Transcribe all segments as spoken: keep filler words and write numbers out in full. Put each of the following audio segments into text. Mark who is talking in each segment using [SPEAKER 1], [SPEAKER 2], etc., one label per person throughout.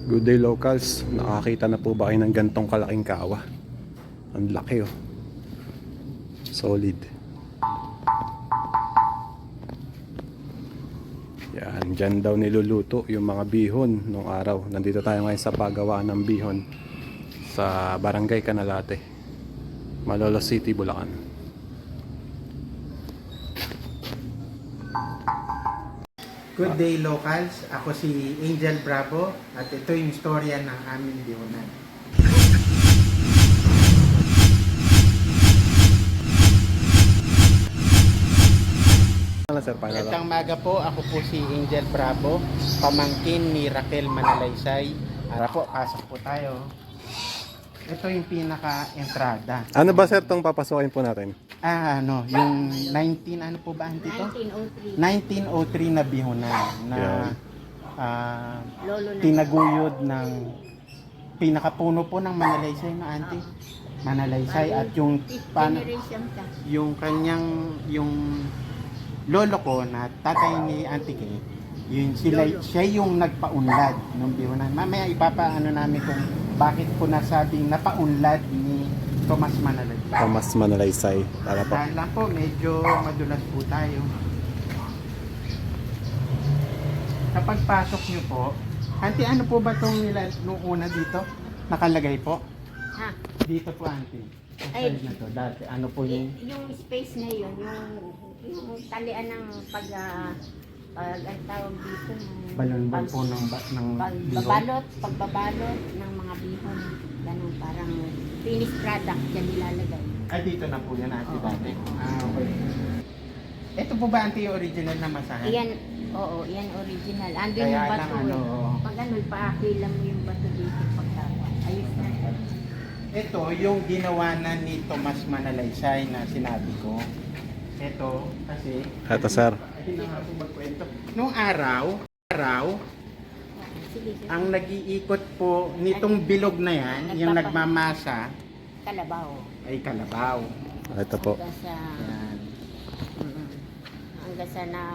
[SPEAKER 1] Good day locals, nakakita na po ba kayo ng gantong kalaking kawa? Ang laki oh. Solid. Yan, dyan daw niluluto yung mga bihon nung araw. Nandito tayo ngayon sa pagawaan ng bihon sa Barangay Canalate, Malolos City, Bulacan.
[SPEAKER 2] Good day locals, ako si Angel Bravo at ito yung istorya ng aming bihonan.
[SPEAKER 1] Ano sir, pangalan?
[SPEAKER 2] Itang maga po, ako po si Angel Bravo, pamangkin ni Raquel Manalaysay. Ara po, pasok po tayo. Ito yung pinaka-entrada.
[SPEAKER 1] Ano ba sir tong papasukin po natin?
[SPEAKER 2] Ah, ano, yung nineteen, ano po ba dito?
[SPEAKER 3] nineteen oh three.
[SPEAKER 2] nineteen oh three na bihonan na
[SPEAKER 1] Yeah.
[SPEAKER 2] ah,
[SPEAKER 3] Lolo na.
[SPEAKER 2] tinaguyod ng pinakapuno po ng Manalaysay na auntie. Manalaysay at yung
[SPEAKER 3] Fifth
[SPEAKER 2] pan,
[SPEAKER 3] generation ka.
[SPEAKER 2] yung kanyang yung lolo ko na tatay ni Auntie Kay, yun sila
[SPEAKER 3] Lolo.
[SPEAKER 2] siya yung nagpaunlad ng bihonan. Mamaya ipapaano namin kung bakit po nasabing napaunlad ni Tomas Manalaysay.
[SPEAKER 1] Thomas Manalaysay. Tara po.
[SPEAKER 2] Dahil lang po medyo madulas po tayo. Kapag pasok niyo po, Auntie, ano po ba itong nila nung una dito? Nakalagay po?
[SPEAKER 3] Ha?
[SPEAKER 2] Dito po, Auntie. Ang
[SPEAKER 3] Ay.
[SPEAKER 2] side na to. Dati, ano po yung...
[SPEAKER 3] Y- yung space na yun, yung, yung talian ng pag, uh, pag ang tawag dito, ng
[SPEAKER 2] Balon-balon
[SPEAKER 3] pag-
[SPEAKER 2] po ng, ba- ng bihon.
[SPEAKER 3] pagbabalot, pagbabalot ng mga bihon. Ganun, parang finished product dyan nilalagay.
[SPEAKER 2] Ay, dito na po yan, Auntie,
[SPEAKER 3] Oo.
[SPEAKER 2] dati. Ah, okay. Ito po ba, Auntie, yung original na masahan?
[SPEAKER 3] Iyan, oo, iyan original. Andun
[SPEAKER 2] Kaya
[SPEAKER 3] yung
[SPEAKER 2] lang,
[SPEAKER 3] bato.
[SPEAKER 2] ano,
[SPEAKER 3] eh. Pag ano, paakilam mo yung bato dito pagtawa. Ayos na.
[SPEAKER 2] Ito, yung ginawa na ni Tomas Manalaysay na sinabi ko. Ito, kasi...
[SPEAKER 1] Ito sir.
[SPEAKER 2] Ay, na nga po magkwento. Nung araw, araw,
[SPEAKER 3] Sige, sige.
[SPEAKER 2] ang nag-iikot po nitong bilog na yan, yung
[SPEAKER 3] Nagpapa-
[SPEAKER 2] nagmamasa,
[SPEAKER 3] Kalabaw.
[SPEAKER 2] ay kalabaw.
[SPEAKER 1] Ito po.
[SPEAKER 3] Hanggang sa...
[SPEAKER 2] Yan.
[SPEAKER 3] Mm. Hanggang sa na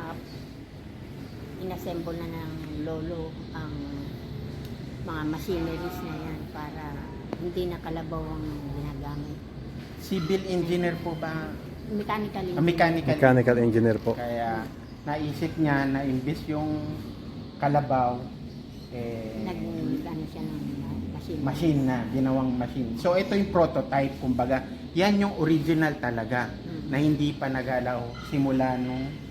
[SPEAKER 3] inassemble na ng lolo ang mga machineries na yan para hindi na kalabaw ang ginagamit.
[SPEAKER 2] Civil engineer po ba?
[SPEAKER 3] Mechanical
[SPEAKER 2] Ah, mechanical.
[SPEAKER 1] Mechanical engineer po.
[SPEAKER 2] Kaya naisip niya na imbis yung kalabaw, eh,
[SPEAKER 3] Nag ano siya ng machine.
[SPEAKER 2] machine na, ginawang machine. So ito yung prototype, kumbaga, yan yung original talaga
[SPEAKER 3] Mm.
[SPEAKER 2] na hindi pa nagalaw simula nung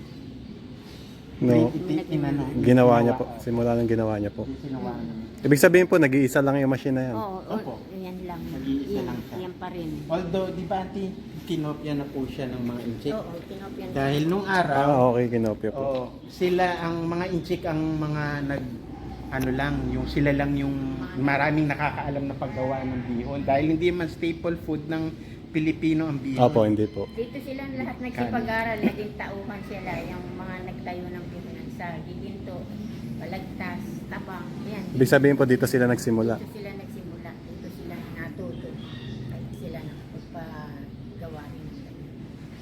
[SPEAKER 1] No,
[SPEAKER 2] iti- inano,
[SPEAKER 1] ginawa niya po. Simula nang ginawa niya po.
[SPEAKER 2] Ginawa niya.
[SPEAKER 1] Ibig sabihin po, nag-iisa lang yung machine na yan.
[SPEAKER 3] Oo,
[SPEAKER 2] Opo.
[SPEAKER 3] oh, yan lang.
[SPEAKER 2] Nag-iisa
[SPEAKER 3] Yan,
[SPEAKER 2] lang siya.
[SPEAKER 3] yan pa rin.
[SPEAKER 2] Although, di ba, Auntie, kinopya na po siya ng mga inchik.
[SPEAKER 3] Oo, kinopyan.
[SPEAKER 2] Dahil nung araw,
[SPEAKER 1] Ah, okay, kinopya po.
[SPEAKER 2] oo, sila ang mga inchik ang mga nag ano lang, yung sila lang yung maraming nakakaalam na paggawa ng bihon dahil hindi man staple food ng Pilipino ang bihon.
[SPEAKER 1] Opo, hindi po.
[SPEAKER 3] Dito sila lahat nagsipag-aral, naging tauhan sila, yung mga nagtayo ng bihunan sa Giginto, Balagtas, Tabang, yan.
[SPEAKER 1] Ibig sabihin po, dito sila nagsimula.
[SPEAKER 3] Dito sila nagsimula, dito sila natuto, kaya sila nagpagawa rin ng ganyan.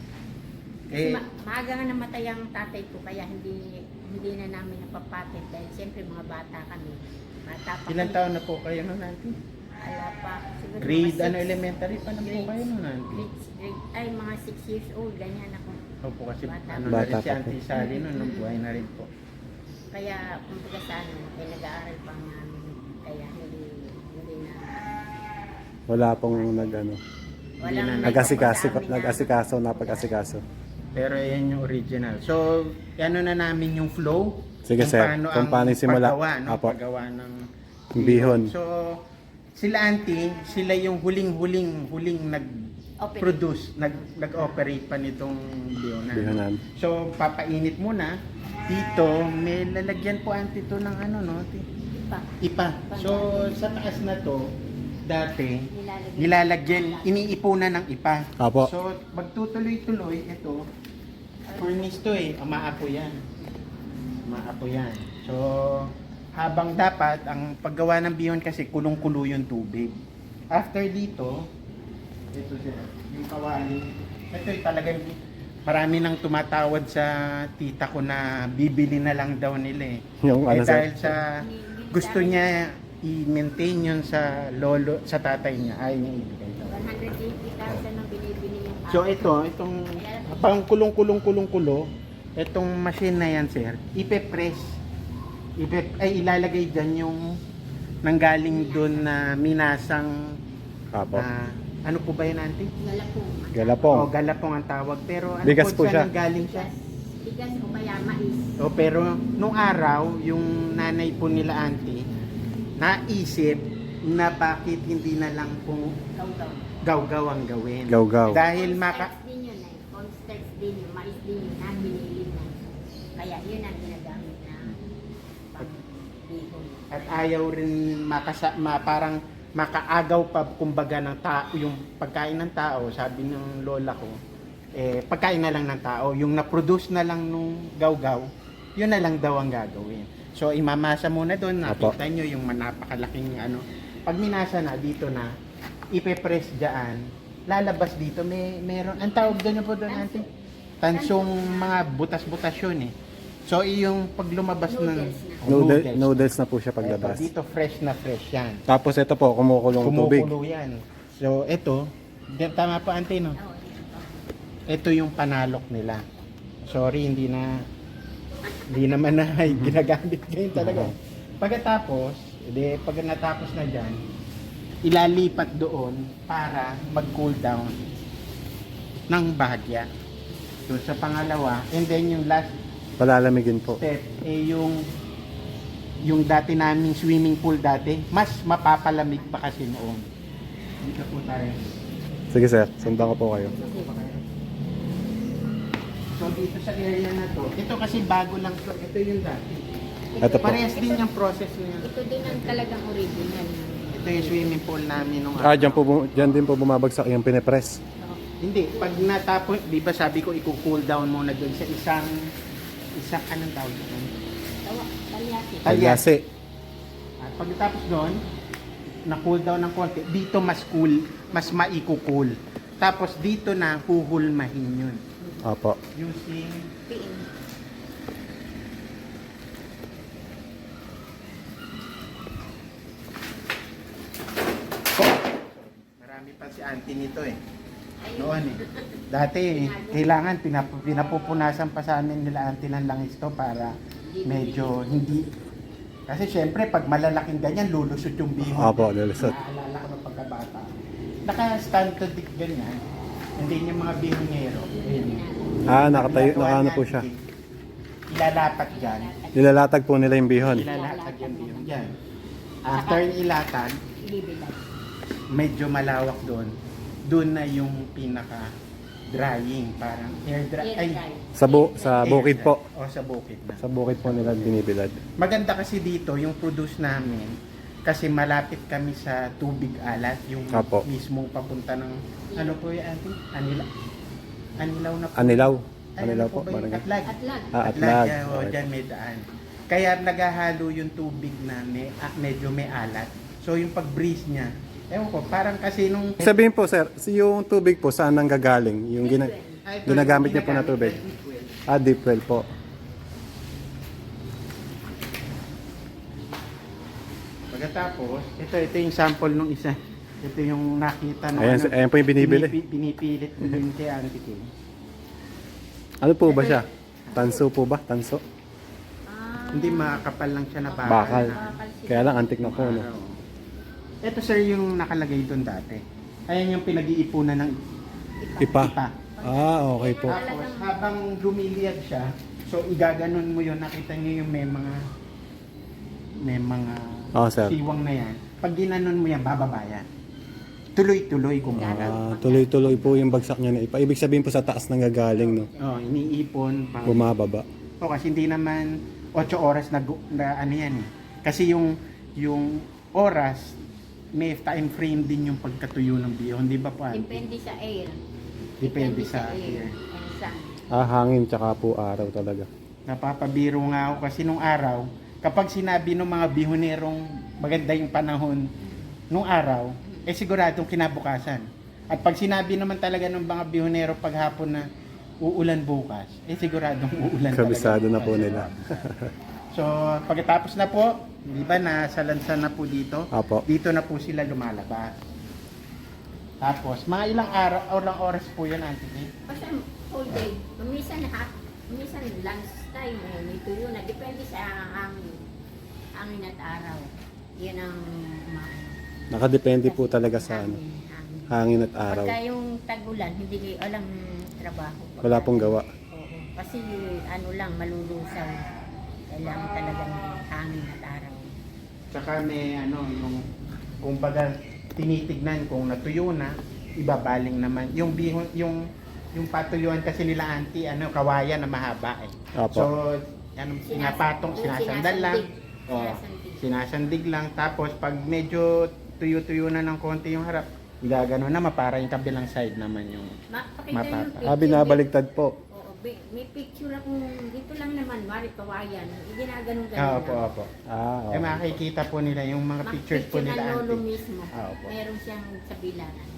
[SPEAKER 3] Kasi
[SPEAKER 2] Eh,
[SPEAKER 3] ma- maaga nga namatay ang tatay ko, kaya hindi hindi na namin napapatent dahil siyempre mga bata kami. Bata pa
[SPEAKER 2] ilang
[SPEAKER 3] kami.
[SPEAKER 2] taon na po kayo nun, Auntie?
[SPEAKER 3] Wala pa. Siguro
[SPEAKER 2] Grade,
[SPEAKER 3] mga
[SPEAKER 2] ano,
[SPEAKER 3] six.
[SPEAKER 2] elementary pa na po
[SPEAKER 3] Grades.
[SPEAKER 2] kayo nun, Auntie?
[SPEAKER 3] Grades, grade, ay mga six years old, ganyan ako.
[SPEAKER 2] Opo, kasi
[SPEAKER 3] Bata.
[SPEAKER 2] ano
[SPEAKER 1] Bata
[SPEAKER 2] na rin si
[SPEAKER 1] pa po.
[SPEAKER 2] Auntie Sally nun, nung buhay na rin po.
[SPEAKER 3] Kaya kumbaga sa ano, eh, nag-aaral pa nga namin. Kaya hindi, hindi na,
[SPEAKER 1] Wala pong nag, ano,
[SPEAKER 3] walang
[SPEAKER 2] na-
[SPEAKER 1] nag-asikaso,
[SPEAKER 3] nagsasabi na-
[SPEAKER 1] nag-asikaso, napag-asikaso.
[SPEAKER 2] Pero yan yung original. So, ano na namin yung flow.
[SPEAKER 1] Sige,
[SPEAKER 2] kung
[SPEAKER 1] sir.
[SPEAKER 2] paano
[SPEAKER 1] Kung
[SPEAKER 2] ang
[SPEAKER 1] paano yung simula.
[SPEAKER 2] Paggawa, no?
[SPEAKER 1] Apo.
[SPEAKER 2] Paggawa ng
[SPEAKER 1] Bihon.
[SPEAKER 2] So, sila Auntie, sila yung huling-huling huling nag-produce, nag, nag-operate pa nitong bihonan.
[SPEAKER 1] Bihonan.
[SPEAKER 2] So, papainit muna. Dito, may lalagyan po Auntie to ng ano, no?
[SPEAKER 3] pa.
[SPEAKER 2] Ipa. So, sa taas na to, dati,
[SPEAKER 3] Nilalagyan.
[SPEAKER 2] nilalagyan, iniipunan ng ipa.
[SPEAKER 1] Apo.
[SPEAKER 2] So, magtutuloy-tuloy, ito, furnace to eh, umaapo yan. Umaapo yan. So, habang dapat, ang paggawa ng bihon kasi kulong-kulo yung tubig. After dito, ito sila, yung kawali, ito yung talagang marami nang tumatawad sa tita ko na bibili na lang daw nila eh.
[SPEAKER 1] Yung
[SPEAKER 2] Eh,
[SPEAKER 1] ano sir?
[SPEAKER 2] dahil sa gusto niya i-maintain yun sa lolo, sa tatay niya, ayaw niya ibigay daw.
[SPEAKER 3] one hundred eighty thousand ang binibili yung
[SPEAKER 2] So ito, itong pang kulong-kulong-kulong-kulo, itong machine na yan, sir, ipe-press. Ipe, ay ilalagay dyan yung nanggaling doon na minasang
[SPEAKER 1] Apo.
[SPEAKER 2] ah, ano po ba yun, auntie?
[SPEAKER 3] galapong.
[SPEAKER 1] Galapong.
[SPEAKER 2] O, galapong ang tawag. Pero ano
[SPEAKER 1] Bigas po
[SPEAKER 2] po
[SPEAKER 1] siya.
[SPEAKER 2] siya nanggaling siya?
[SPEAKER 3] Bigas, bigas o kaya mais.
[SPEAKER 2] O, pero nung araw, yung nanay po nila auntie, naisip na bakit hindi na lang po
[SPEAKER 3] Gaw-gaw.
[SPEAKER 2] gaw-gaw ang gawin.
[SPEAKER 1] Gaw-gaw.
[SPEAKER 2] Dahil maka...
[SPEAKER 3] Cornstarch din yun eh. Cornstarch din yun. Mais din yun na binili na. Kaya yun ang ginagamit na pang-bihon.
[SPEAKER 2] At ayaw rin makasa, ma, parang makaagaw pa kumbaga ng tao, yung pagkain ng tao, sabi ng lola ko, eh, pagkain na lang ng tao, yung na-produce na lang nung gaw-gaw, yun na lang daw ang gagawin. So, imamasa muna doon,
[SPEAKER 1] Apo.
[SPEAKER 2] nakita nyo yung napakalaking ano. Pag minasa na, dito na, ipe-press dyan, lalabas dito, may meron, ang tawag doon po doon, auntie? Tansong mga butas-butas yun eh. So, yung pag lumabas ng
[SPEAKER 3] Noodles na.
[SPEAKER 2] oh,
[SPEAKER 1] Noodle,
[SPEAKER 2] noodles.
[SPEAKER 1] noodles na po siya
[SPEAKER 2] Eto,
[SPEAKER 1] paglabas.
[SPEAKER 2] dito fresh na fresh yan.
[SPEAKER 1] Tapos ito po, kumukulong tubig.
[SPEAKER 2] Kumukulo yan. So, ito, di- tama po, auntie, no?
[SPEAKER 3] Oo, yun.
[SPEAKER 2] Ito yung panalok nila. Sorry, hindi na, hindi naman na ginagamit ngayon talaga. Pagkatapos, edi, pag natapos na dyan, ilalipat doon para mag-cool down ng bahagya. Doon sa pangalawa, and then yung last
[SPEAKER 1] Palalamigin po.
[SPEAKER 2] step, eh yung yung dati naming swimming pool dati, mas mapapalamig pa kasi noon. Dito po tayo.
[SPEAKER 1] Sige sir, sundan ko po kayo.
[SPEAKER 2] So dito sa area na to, ito kasi bago lang to, ito yung dati.
[SPEAKER 1] Ito po.
[SPEAKER 2] Parehas din yung process niya.
[SPEAKER 3] Ito din ang talagang original.
[SPEAKER 2] Ito yung swimming pool namin nung
[SPEAKER 1] Ah, dyan, po, bu- dyan din po bumabagsak yung pinepress.
[SPEAKER 3] Oo.
[SPEAKER 2] Hindi, pag natapos, di ba sabi ko i-cool down muna doon sa isang isang anong tawag doon?
[SPEAKER 3] Tawa, talyasi.
[SPEAKER 2] Talyasi.
[SPEAKER 1] Talyasi.
[SPEAKER 2] At pagkatapos doon, na-cool down ng konti, dito mas cool, mas maiko-cool. Tapos dito na huhulmahin yun.
[SPEAKER 1] Opo.
[SPEAKER 2] Using
[SPEAKER 3] Piin.
[SPEAKER 2] marami pa si auntie nito eh.
[SPEAKER 3] Ayun.
[SPEAKER 2] Noon eh. Dati eh, kailangan pinap pinapupunasan pa sa amin nila auntie ng langis to para medyo hindi. Kasi syempre pag malalaking ganyan lulusot yung bihon.
[SPEAKER 1] Opo, lulusot.
[SPEAKER 2] Naalala ko ng pagkabata. Naka-stand to dick ganyan. Hindi yung mga bihongero. Ayun.
[SPEAKER 1] Ah, nakatayo,
[SPEAKER 2] Ginagawa
[SPEAKER 1] nakaano po
[SPEAKER 2] natin,
[SPEAKER 1] siya.
[SPEAKER 2] Ilalapat dyan.
[SPEAKER 1] Nilalatag po nila yung bihon.
[SPEAKER 2] Ilalatag yung bihon dyan. After ilatag,
[SPEAKER 3] Ibibilad.
[SPEAKER 2] medyo malawak doon. Doon na yung pinaka drying, parang air dry.
[SPEAKER 3] Air
[SPEAKER 2] Ay,
[SPEAKER 3] dry.
[SPEAKER 1] Sa, bu sa
[SPEAKER 2] air
[SPEAKER 1] bukid
[SPEAKER 2] dry.
[SPEAKER 1] po.
[SPEAKER 2] O sa bukid na.
[SPEAKER 1] Sa bukid po nila binibilad.
[SPEAKER 2] Maganda kasi dito yung produce namin kasi malapit kami sa tubig alat, yung
[SPEAKER 1] Apo.
[SPEAKER 2] mismong papunta ng ano po yung auntie? Anila. Anilaw na po.
[SPEAKER 1] Anilaw.
[SPEAKER 2] Ay,
[SPEAKER 1] Anilaw
[SPEAKER 2] ano
[SPEAKER 1] po.
[SPEAKER 2] ba yun?
[SPEAKER 1] Barangay.
[SPEAKER 2] Atlag.
[SPEAKER 3] Atlag.
[SPEAKER 1] Ah,
[SPEAKER 2] Atlag.
[SPEAKER 1] atlag.
[SPEAKER 2] Yan, oh,
[SPEAKER 1] Okay.
[SPEAKER 2] dyan may daan. Kaya naghahalo yung tubig na may, ah, medyo may alat. So yung pag-breeze niya, ewan ko, parang kasi nung...
[SPEAKER 1] Sabihin po sir, si yung tubig po saan nang gagaling? Yung gina
[SPEAKER 2] Ay, ito,
[SPEAKER 1] ginagamit
[SPEAKER 2] yung
[SPEAKER 1] niyo po na
[SPEAKER 2] ginagamit
[SPEAKER 1] tubig?
[SPEAKER 2] na deep well.
[SPEAKER 1] Ah, deep well po.
[SPEAKER 2] Pagkatapos, ito ito yung sample nung isa. Ito yung nakita ng
[SPEAKER 1] Ayan, ayan po yung binibili.
[SPEAKER 2] Pinipi- pinipilit ko din kay auntie ko.
[SPEAKER 1] Ano po ba siya? Tanso po ba? Tanso?
[SPEAKER 3] Ah,
[SPEAKER 2] Hindi makakapal lang siya na bakal.
[SPEAKER 1] Bakal.
[SPEAKER 3] bakal siya.
[SPEAKER 1] Kaya lang antik na po. No?
[SPEAKER 2] Araw. Ito sir yung nakalagay doon dati. Ayan yung pinag-iipunan ng
[SPEAKER 1] Ipa.
[SPEAKER 2] ipa.
[SPEAKER 1] Ah, okay po.
[SPEAKER 2] Tapos habang lumiliyag siya, so igaganon mo yun, nakita niyo yung may mga may mga
[SPEAKER 1] Oh, sir.
[SPEAKER 2] siwang na yan. Pag ginanon mo yan, bababa yan. Tuloy-tuloy kumbaga.
[SPEAKER 1] Ah, tuloy-tuloy po yung bagsak niya na ipa. Ibig sabihin po sa taas nang gagaling, no?
[SPEAKER 2] Oh, iniipon. Pang,
[SPEAKER 1] Bumababa.
[SPEAKER 2] oh, kasi hindi naman eight oras na, gu- na ano yan eh. Kasi yung yung oras, may time frame din yung pagkatuyo ng bihon, di ba po? Auntie?
[SPEAKER 3] Depende sa air.
[SPEAKER 2] Depende sa air.
[SPEAKER 3] And sun.
[SPEAKER 1] Ah, hangin tsaka po araw talaga.
[SPEAKER 2] Napapabiro nga ako kasi nung araw, kapag sinabi ng mga bihonerong maganda yung panahon nung araw, eh siguradong kinabukasan. At pag sinabi naman talaga ng mga bihonero paghapon na uulan bukas, eh siguradong uulan
[SPEAKER 1] Kabisado
[SPEAKER 2] talaga.
[SPEAKER 1] na po
[SPEAKER 2] bukas.
[SPEAKER 1] nila.
[SPEAKER 2] So, pagkatapos na po, di ba, nasa lansan na po dito.
[SPEAKER 1] Apo.
[SPEAKER 2] Dito na po sila lumalabas. Tapos, mga ilang araw, o ilang oras po yan, Auntie Kay?
[SPEAKER 3] Basta whole day. Minsan ha, minsan lunch time eh, may tuyo na. Depende sa hangin. Hangin at araw. Yan ang mga
[SPEAKER 1] Nakadepende po talaga sa ano,
[SPEAKER 3] hangin, hangin.
[SPEAKER 1] hangin at araw.
[SPEAKER 3] Pagka yung tagulan, hindi kayo alam trabaho.
[SPEAKER 1] Wala pong gawa.
[SPEAKER 3] Oo. Kasi ano lang, malulusaw. Kailangan talaga ng hangin at araw.
[SPEAKER 2] Tsaka may ano, yung, kumbaga, tinitignan kung natuyo na, ibabaling naman. Yung bihon, yung, yung patuyuan kasi nila, Auntie, ano, kawayan na mahaba eh.
[SPEAKER 1] Apo.
[SPEAKER 2] So, ano, pinapatong,
[SPEAKER 3] Sinas-
[SPEAKER 2] sinasandal lang.
[SPEAKER 3] sinasandig.
[SPEAKER 2] Oh,
[SPEAKER 3] Sinasandig.
[SPEAKER 2] sinasandig lang. Tapos, pag medyo tuyo-tuyo na ng konti yung harap, gagano naman para yung kabilang side naman yung
[SPEAKER 3] Ma- pakita
[SPEAKER 2] mapapa.
[SPEAKER 3] yung picture.
[SPEAKER 1] Ah, binabaligtad po.
[SPEAKER 3] Oo, bi- may picture akong dito lang naman, mari kawayan. Ginaganon ganun
[SPEAKER 2] Ah,
[SPEAKER 3] lang.
[SPEAKER 2] opo, opo.
[SPEAKER 1] Ah,
[SPEAKER 2] Eh,
[SPEAKER 1] okay.
[SPEAKER 2] makikita po nila yung mga
[SPEAKER 3] Mga
[SPEAKER 2] pictures po
[SPEAKER 3] picture
[SPEAKER 2] nila,
[SPEAKER 3] ng lolo
[SPEAKER 2] Auntie.
[SPEAKER 3] mismo.
[SPEAKER 2] Ah, opo.
[SPEAKER 3] Meron siyang sa bilaran.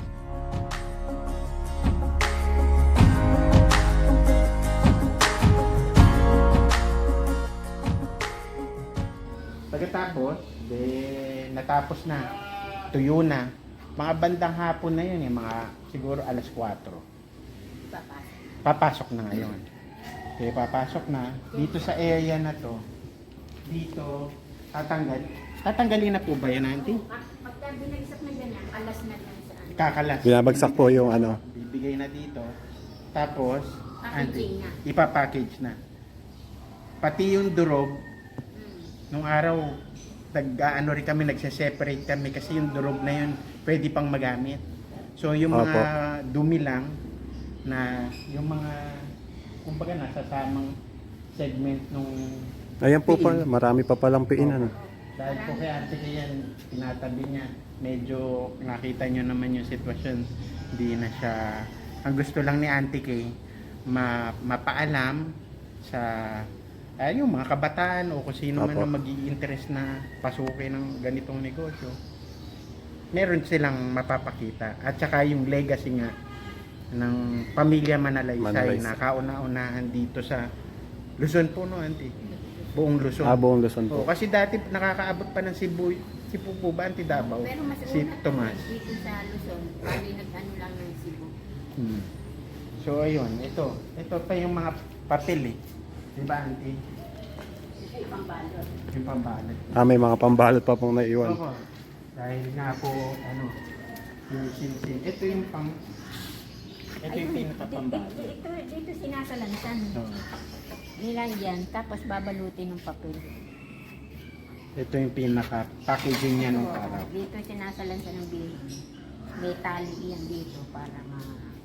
[SPEAKER 2] Pagkatapos, de, natapos na, tuyo na. Mga bandang hapon na yun, eh, mga siguro alas kwatro.
[SPEAKER 3] Ipapasok.
[SPEAKER 2] Papasok na ngayon. Okay, papasok na. Dito sa area na to, dito, tatanggal. Tatanggalin na po ba yan, Auntie?
[SPEAKER 3] Pag- Pagka binagsak na ganyan, alas na lang sa ano.
[SPEAKER 2] Kakalas.
[SPEAKER 1] Binabagsak po yung ano.
[SPEAKER 2] Bibigay na dito. Tapos,
[SPEAKER 3] Packaging na.
[SPEAKER 2] ipapackage na. Pati yung durog,
[SPEAKER 3] Mm.
[SPEAKER 2] nung araw, nag-ano rin kami, nagse-separate kami kasi yung durog na yun pwede pang magamit. So yung mga dumi lang na yung mga kumbaga nasasamang segment nung
[SPEAKER 1] Ayan po
[SPEAKER 2] piin.
[SPEAKER 1] pala, marami pa palang piin ano.
[SPEAKER 2] Dahil po kay ate kayan, tinatabi niya, medyo nakita nyo naman yung sitwasyon, hindi na siya, ang gusto lang ni Auntie Kay, ma, mapaalam sa ay, yung mga kabataan o kung sino man
[SPEAKER 1] Apo.
[SPEAKER 2] ang mag-i-interest na pasukin ng ganitong negosyo, meron silang mapapakita. At saka yung legacy nga ng pamilya Manalaysay,
[SPEAKER 1] Manalaysay.
[SPEAKER 2] na kauna-unahan dito sa Luzon po, no, Auntie? Buong Luzon.
[SPEAKER 1] Ah, buong Luzon
[SPEAKER 2] Oo,
[SPEAKER 1] po.
[SPEAKER 2] kasi dati nakakaabot pa ng Cebu, Cebu po ba, Auntie Davao?
[SPEAKER 3] Pero mas
[SPEAKER 2] Si
[SPEAKER 3] una
[SPEAKER 2] Tomas.
[SPEAKER 3] dito sa Luzon, bali nag-ano lang ng Cebu.
[SPEAKER 2] Hmm. So, ayun, ito. Ito pa yung mga papel eh. Di ba, Auntie?
[SPEAKER 3] Ito ibang balot.
[SPEAKER 2] Yung pambalot.
[SPEAKER 1] Ah, may mga pambalot pa pong naiwan.
[SPEAKER 2] Opo. Dahil nga po, ano, yung sin-sin. Ito yung pang... Ito yung
[SPEAKER 3] Ayun,
[SPEAKER 2] pinaka-pambalot.
[SPEAKER 3] di- Ito, dito sinasalansan.
[SPEAKER 2] Oo.
[SPEAKER 3] Nilagyan, tapos babalutin ng papel.
[SPEAKER 2] Ito yung pinaka-packaging niya nung
[SPEAKER 3] Oo,
[SPEAKER 2] araw.
[SPEAKER 3] Dito sinasalansan ng bihon. May tali yan dito para ma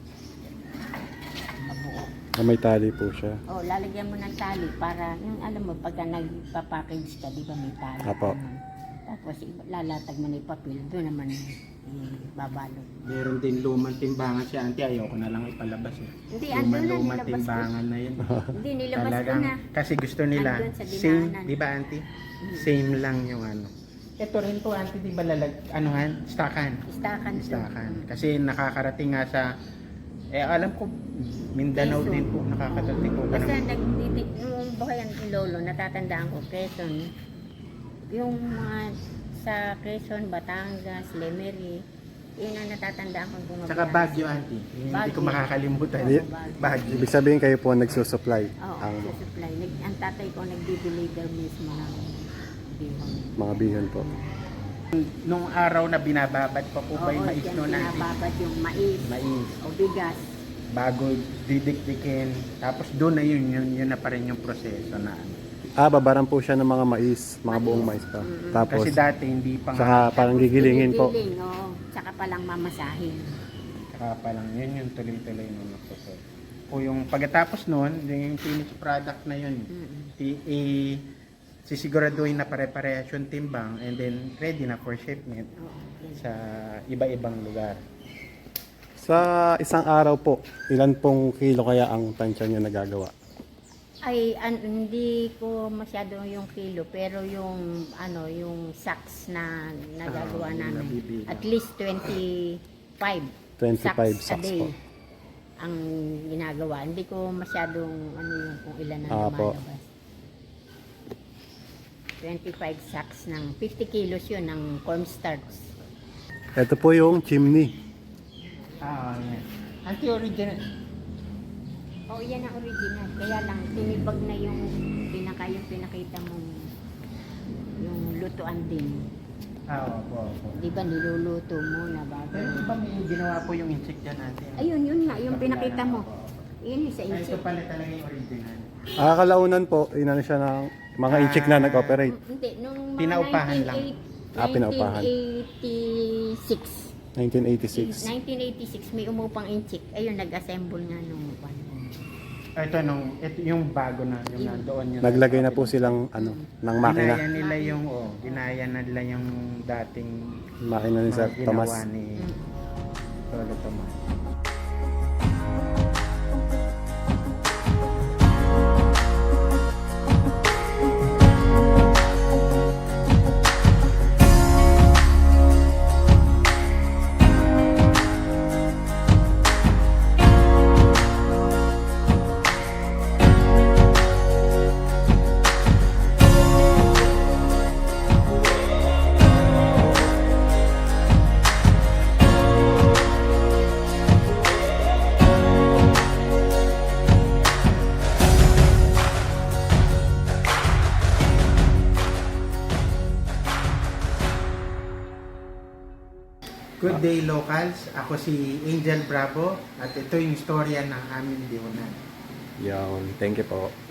[SPEAKER 3] mabuo.
[SPEAKER 1] Ah, may tali po siya.
[SPEAKER 3] Oh, lalagyan mo ng tali para, yung alam mo, pagka nagpa-package ka, di ba may tali?
[SPEAKER 1] Apo.
[SPEAKER 3] Ganun. Tapos iba- lalatag mo na yung papel, doon naman babalot.
[SPEAKER 2] Meron din lumang timbangan si Auntie. Ayoko na lang ipalabas eh.
[SPEAKER 3] Hindi, andun na,
[SPEAKER 2] Lumang
[SPEAKER 3] nilabas ko.
[SPEAKER 2] timbangan na yun.
[SPEAKER 3] Hindi, nilabas ko
[SPEAKER 2] Talagang,
[SPEAKER 3] na.
[SPEAKER 2] kasi gusto nila,
[SPEAKER 3] Andun sa
[SPEAKER 2] same,
[SPEAKER 3] dinaanan.
[SPEAKER 2] di ba, Auntie?
[SPEAKER 3] Mm.
[SPEAKER 2] Same lang yung ano. Ito rin po, Auntie, di ba lalag, anuhan, stakan.
[SPEAKER 3] Istakan. to.
[SPEAKER 2] Stakan. Kasi nakakarating nga sa, eh alam ko, Mindanao
[SPEAKER 3] Quezon.
[SPEAKER 2] din po, nakakarating po.
[SPEAKER 3] Basta
[SPEAKER 2] Ganun.
[SPEAKER 3] nagtiti, nung buhayan ni Lolo, natatandaan ko, Quezon, yung mga sa Quezon, Batangas, Lemery, yun ang natatandaan ko bumabiyahe.
[SPEAKER 2] Tsaka Baguio, Auntie. Yung Hindi ko
[SPEAKER 3] Baguio.
[SPEAKER 2] makakalimutan.
[SPEAKER 1] Di-
[SPEAKER 2] Baguio.
[SPEAKER 1] Ibig sabihin kayo po ang nagsusupply
[SPEAKER 3] Oo,
[SPEAKER 1] ang
[SPEAKER 3] sa supply. Nag, ang tatay ko nagdi-deliver mismo ng bihon.
[SPEAKER 1] mga bihon po.
[SPEAKER 2] Nung araw na binababad pa po ba yung mais
[SPEAKER 3] dyan
[SPEAKER 2] noon, Auntie?
[SPEAKER 3] pinababad yung mais
[SPEAKER 2] Mais.
[SPEAKER 3] o bigas.
[SPEAKER 2] Bago didikdikin. Tapos doon na yun, yun, yun na pa rin yung proseso na ano.
[SPEAKER 1] Ah, babaran po siya ng mga mais, mga buong mais pa.
[SPEAKER 3] Mm-mm.
[SPEAKER 1] Tapos,
[SPEAKER 2] Kasi dati hindi pa nga.
[SPEAKER 1] saka parang
[SPEAKER 3] Tapos
[SPEAKER 1] gigilingin po.
[SPEAKER 3] ginigiling, oo. Tsaka palang mamasahin.
[SPEAKER 2] Saka pa lang, yun yung tuloy-tuloy nung nagsusot. O yung pagkatapos nun, yung finished product na yun,
[SPEAKER 3] Mm-mm.
[SPEAKER 2] i- i- sisiguraduhin na pare-parehas yung timbang and then ready na for shipment
[SPEAKER 3] Oo, yun.
[SPEAKER 2] sa iba-ibang lugar.
[SPEAKER 1] Sa isang araw po, ilan pong kilo kaya ang tansya niyo nagagawa?
[SPEAKER 3] Ay, an- hindi ko masyado yung kilo, pero yung ano, yung sacks na nagagawa
[SPEAKER 2] Ah, yung
[SPEAKER 3] namin.
[SPEAKER 2] nabibilang.
[SPEAKER 3] At least twenty-five
[SPEAKER 1] twenty-five
[SPEAKER 3] sacks,
[SPEAKER 1] sacks
[SPEAKER 3] a day
[SPEAKER 1] po.
[SPEAKER 3] ang ginagawa. Hindi ko masyadong ano yung kung ilan na
[SPEAKER 1] Ah, po.
[SPEAKER 3] lumalabas. twenty-five sacks ng fifty kilos yun ng cornstarch.
[SPEAKER 1] Ito po yung chimney.
[SPEAKER 2] Ah, yan. Anti-original.
[SPEAKER 3] Oo, yan ang original. Kaya lang, tinibag na yung pinaka, yung pinakita mong yung lutuan din.
[SPEAKER 2] Ah, opo, opo.
[SPEAKER 3] Di ba niluluto muna bago?
[SPEAKER 2] Pero di ba may ginawa po yung insect dyan natin?
[SPEAKER 3] Ayun, yun nga, yung pinakita mo.
[SPEAKER 2] Opo.
[SPEAKER 3] Yun yung sa
[SPEAKER 2] Ay, ito
[SPEAKER 3] insect.
[SPEAKER 2] pala talaga yung original.
[SPEAKER 1] Ah, kalaunan po, inano siya ng mga
[SPEAKER 2] Ah.
[SPEAKER 1] inchik na nag-operate.
[SPEAKER 3] Mm, Hindi, nung mga
[SPEAKER 2] Pinaupahan lang.
[SPEAKER 1] Ah, pinaupahan.
[SPEAKER 3] nineteen eighty-six.
[SPEAKER 1] nineteen eighty-six.
[SPEAKER 3] nineteen eighty-six, may umupang inchik. Ayun, nag-assemble nga nung one.
[SPEAKER 2] Ah, ito nung ito yung bago na yung
[SPEAKER 3] Yung-
[SPEAKER 2] nandoon yun.
[SPEAKER 1] Naglagay na po silang ano, ng makina.
[SPEAKER 2] Ginaya nila yung oh, ginaya na nila yung dating
[SPEAKER 1] Makina ni Sir
[SPEAKER 2] mga
[SPEAKER 1] Tomas.
[SPEAKER 2] ginawa ni
[SPEAKER 3] Mm.
[SPEAKER 2] Lolo Tomas. Good day locals, ako si Angel Bravo at ito yung istorya ng aming bihunan.
[SPEAKER 1] Yan, thank you po.